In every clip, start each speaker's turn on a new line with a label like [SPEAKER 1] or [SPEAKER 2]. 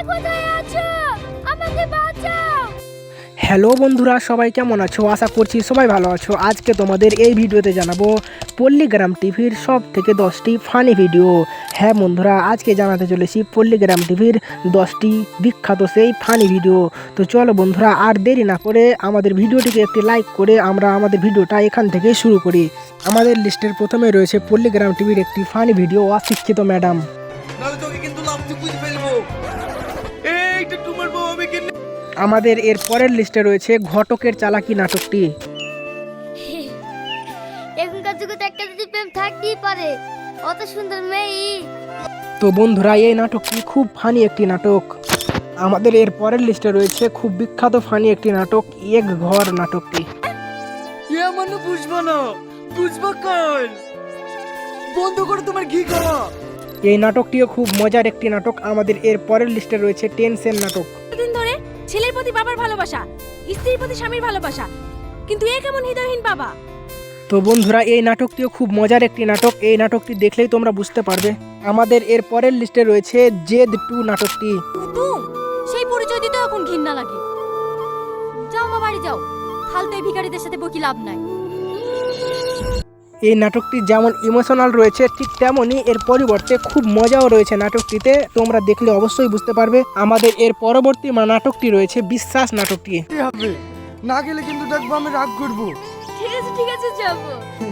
[SPEAKER 1] কোথায় আছো? আমাকে বাঁচাও।
[SPEAKER 2] হ্যালো বন্ধুরা, সবাই কেমন আছো? আশা করছি সবাই ভালো আছো। আজকে তোমাদের এই ভিডিওতে জানাবো পল্লীগ্রাম টিভির সব থেকে 10টি ফানি ভিডিও। হ্যাঁ বন্ধুরা, আজকে জানাতে চলেছি পল্লীগ্রাম টিভির 10টি বিখ্যাত সেই ফানি ভিডিও। তো চলো বন্ধুরা, আর দেরি না করে আমাদের ভিডিওটিকে একটি লাইক করে আমরা আমাদের ভিডিওটা এখান থেকে শুরু করি। আমাদের লিস্টের প্রথমে রয়েছে পল্লীগ্রাম টিভির একটি ফানি ভিডিও, অশিক্ষিত ম্যাডাম। আমাদের এর পরের লিস্টে রয়েছে ঘটকের চালাকি নাটকটি।
[SPEAKER 1] এখনকার যুগে তো একটা যদি প্রেম থাকতেই পারে, অত সুন্দর মেয়ে।
[SPEAKER 2] তো বন্ধুরা, এই নাটকটি খুব ফানি একটি নাটক। আমাদের এর পরের লিস্টে রয়েছে খুব বিখ্যাত ফানি একটি নাটক, এক ঘর নাটকটি।
[SPEAKER 3] বুঝবো না, বুঝবো কাল বন্ধ করে তোমার ঘি খাওয়া।
[SPEAKER 2] এই নাটকটিও খুব মজার একটি নাটক। আমাদের এর পরের লিস্টে রয়েছে টেনশন নাটক।
[SPEAKER 4] দিন ধরে ছেলের প্রতি বাবার ভালোবাসা, স্ত্রীর প্রতি স্বামীর ভালোবাসা, কিন্তু এ কেমন হৃদয়হীন বাবা।
[SPEAKER 2] তো বন্ধুরা, এই নাটকটিও খুব মজার একটি নাটক। এই নাটকটি দেখলেই তোমরা বুঝতে পারবে। আমাদের এর পরের লিস্টে রয়েছে জেদ 2 নাটকটি।
[SPEAKER 4] তুম সেই পরিচয় দিতে এখন ঘৃণা লাগে। যাও মা, বাড়ি যাও। ফালতু এই ভিখারিদের সাথে বকি লাভ নাই।
[SPEAKER 2] এই নাটকটি যেমন ইমোশনাল রয়েছে, ঠিক তেমনই এর পরিবর্তে খুব মজাও রয়েছে নাটকটিতে। তোমরা দেখলে অবশ্যই বুঝতে পারবে। আমাদের এর পরবর্তী নাটকটি রয়েছে বিশ্বাস নাটকটি।
[SPEAKER 3] কি হবে না গেলে কিন্তু দেখবো আমি রাগ করবো।
[SPEAKER 4] ঠিক আছে যাবো।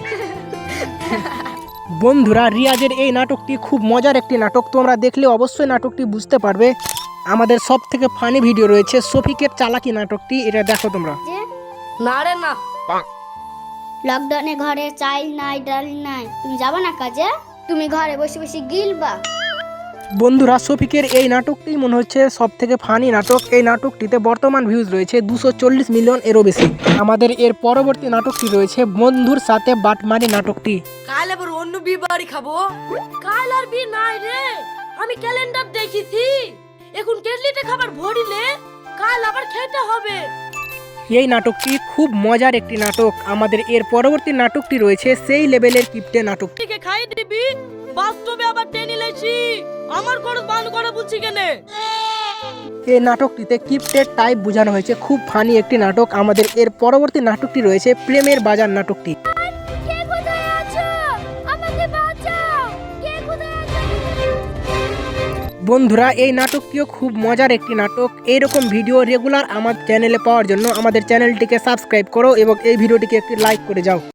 [SPEAKER 2] বন্ধুরা, রিয়াজের এই নাটকটি খুব মজার একটি নাটক। তোমরা দেখলে অবশ্যই নাটকটি বুঝতে পারবে। আমাদের সব থেকে ফানি ভিডিও রয়েছে শফিকের চালাকি নাটকটি। এটা দেখো তোমরা।
[SPEAKER 3] না রে না,
[SPEAKER 1] লকডাউনে ঘরে চাল নাই, ডাল নাই, তুমি যাবা না কাজে? তুমি ঘরে বসে বসে গিলবা।
[SPEAKER 2] বন্ধুরা, শফিকের এই নাটকটি মনে হচ্ছে সব থেকে ফানি নাটক। এই নাটকটিতে বর্তমান ভিউজ রয়েছে 240 মিলিয়ন এরও বেশি। আমাদের এর পরবর্তী নাটকটি রয়েছে বন্ধুর সাথে বাটমারি নাটকটি।
[SPEAKER 4] কাল আবার অন্য বিয়ে বাড়ি খাবো। কাল আর বিয়ে নাই রে, আমি ক্যালেন্ডার দেখেছি। এখন কেটলিতে খাবার ভরিলে কাল আবার খেতে হবে।
[SPEAKER 2] এই নাটকটি খুব মজার একটি নাটক। আমাদের এর পরবর্তী নাটকটি রয়েছে সেই লেভেলের কিপ্টে নাটকটি।
[SPEAKER 4] থেকে খাই দিবি, বাস্তবে আবার টেনে লেছি। আমার খরচ বান করে বুঝছি কেনে।
[SPEAKER 2] এই নাটকটিতে কিপ্টেড টাইপ বোঝানো হয়েছে। খুব ফানি একটি নাটক। আমাদের এর পরবর্তী নাটকটি রয়েছে প্রেমের বাজার নাটকটি।
[SPEAKER 1] কে কোথায় আছো? আমাকে বাঁচাও। কে কোথায় আছো?
[SPEAKER 2] বন্ধুরা, এই নাটকটিও খুব মজার একটি নাটক। এইরকম ভিডিও রেগুলার আমার চ্যানেলে পাওয়ার জন্য আমাদের চ্যানেলটিকে সাবস্ক্রাইব করো এবং এই ভিডিওটিকে একটি লাইক করে যাও।